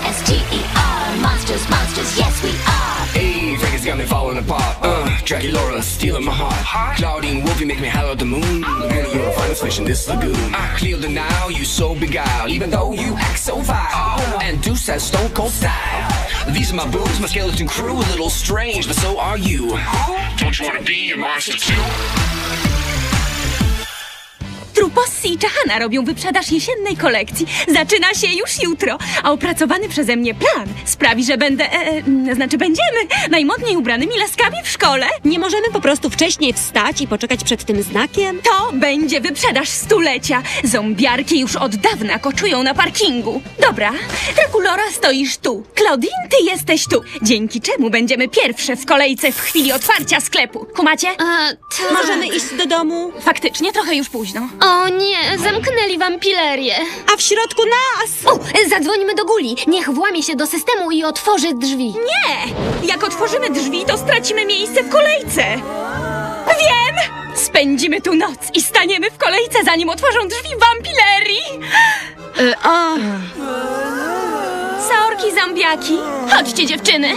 M-O-N-S-T-E-R. Monsters, monsters, yes we are. Hey, Vegas got me falling apart. Jackie Laura stealing my heart. Claudine Wolfie make me holler at the moon. Girl, you're a finest fish in this lagoon. Clear the Nile, you so beguiled, even though you act so vile. And Deuce has stone cold style. These are my boobs, my skeleton crew, a little strange, but so are you. Don't you wanna be a monster too? Trupossi i Czahana robią wyprzedaż jesiennej kolekcji. Zaczyna się już jutro, a opracowany przeze mnie plan sprawi, że będziemy najmodniej ubranymi laskami w szkole. Nie możemy po prostu wcześniej wstać i poczekać przed tym znakiem? To będzie wyprzedaż stulecia. Zombiarki już od dawna koczują na parkingu. Dobra, Drakulora, stoisz tu. Claudine, ty jesteś tu. Dzięki czemu będziemy pierwsze w kolejce w chwili otwarcia sklepu. Kumacie? Tak. Możemy iść do domu? Faktycznie trochę już późno. O nie, zamknęli wampilerię. A w środku nas! O, zadzwonimy do Guli. Niech włamie się do systemu i otworzy drzwi. Nie! Jak otworzymy drzwi, to stracimy miejsce w kolejce. Wiem! Spędzimy tu noc i staniemy w kolejce, zanim otworzą drzwi wampilerii. Sorki, zombiaki. Chodźcie, dziewczyny.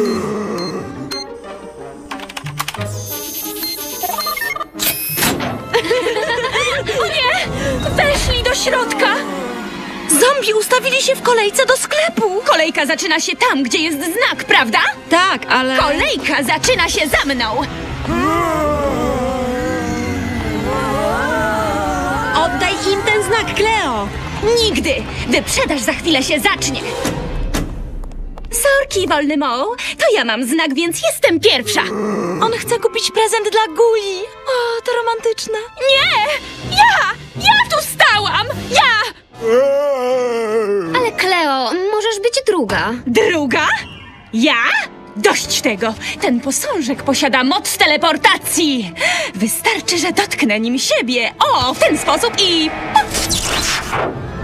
O nie! Weszli do środka! Zombie ustawili się w kolejce do sklepu! Kolejka zaczyna się tam, gdzie jest znak, prawda? Tak, ale... Kolejka zaczyna się za mną! Oddaj im ten znak, Cleo! Nigdy! Wyprzedaż za chwilę się zacznie! Sorki, wolny Mo, to ja mam znak, więc jestem pierwsza! On chce kupić prezent dla Guli! O, to romantyczne! Nie! Ja tu stałam! Ja! Ale Cleo, możesz być druga. Druga? Ja? Dość tego! Ten posążek posiada moc teleportacji! Wystarczy, że dotknę nim siebie. O, w ten sposób i...